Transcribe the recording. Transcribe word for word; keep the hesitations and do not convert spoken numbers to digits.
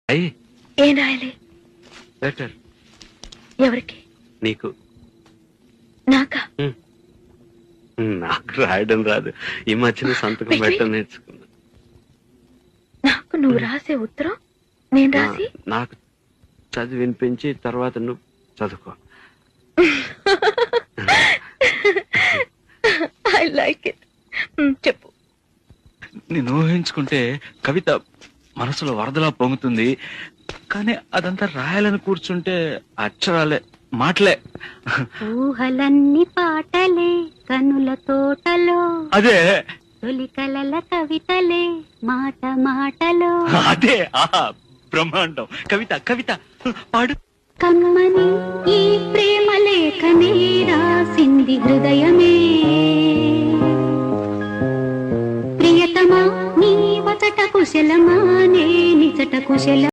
అయ్యి ఏం రాయాలి? లెటర్. ఎవరికి? నీకు. నాకా? నాకు రాయడం రాదు. ఈ మధ్యన సంతకం పెట్టడం నేర్చుకున్నా. నాకు నువ్వు రాసే ఉత్తరం నేను రాసి నాకు చదివి వినిపించి తర్వాత నువ్వు చదువుకో. I like it. చెప్పు. నేను ఊహించుకుంటే కవిత మనసులో వరదలా పొంగుతుంది, కానీ అదంతా రాయాలని కూర్చుంటే అక్షరాలే, మాటలే. ఊహలన్నీ పాటలే కనుల తోటలో, అదే తొలి కలల కవితలే మాట మాటలో. అదే ఆహా బ్రహ్మాండం. కవిత కవిత పాడు. కమ్మని ఈ ప్రేమ లేఖనే రాసింది హృదయమే, ప్రియతమా నీ వచట కుశలమా నే నిజట కుశల